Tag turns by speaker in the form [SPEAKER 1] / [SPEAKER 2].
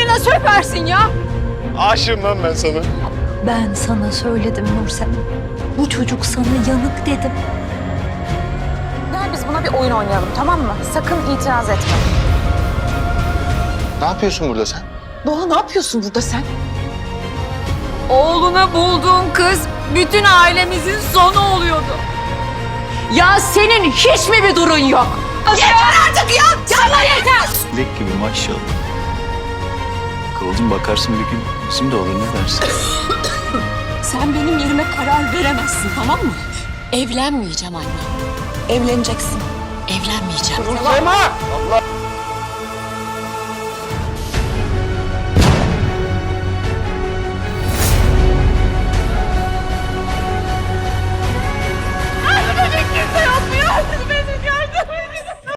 [SPEAKER 1] kadına süpersin ya.
[SPEAKER 2] Aşığım lan ben sana.
[SPEAKER 3] Ben sana söyledim Nursema. Bu çocuk sana yanık dedim.
[SPEAKER 4] Gel biz buna bir oyun oynayalım, tamam mı? Sakın itiraz etme.
[SPEAKER 2] Ne yapıyorsun burada sen?
[SPEAKER 4] Doğa, ne yapıyorsun burada sen?
[SPEAKER 1] Oğluna bulduğun kız bütün ailemizin sonu oluyordu. Ya senin hiç mi bir durun yok? Yeter artık ya! Sana yeter!
[SPEAKER 5] Lek gibi maşallah. Kıvılcım bakarsın bir gün bizim de olur, ne dersin?
[SPEAKER 6] Sen benim yerime karar veremezsin, tamam mı? Evlenmeyeceğim anne. Evleneceksin. Evlenmeyeceğim.
[SPEAKER 2] Nursema! Allah!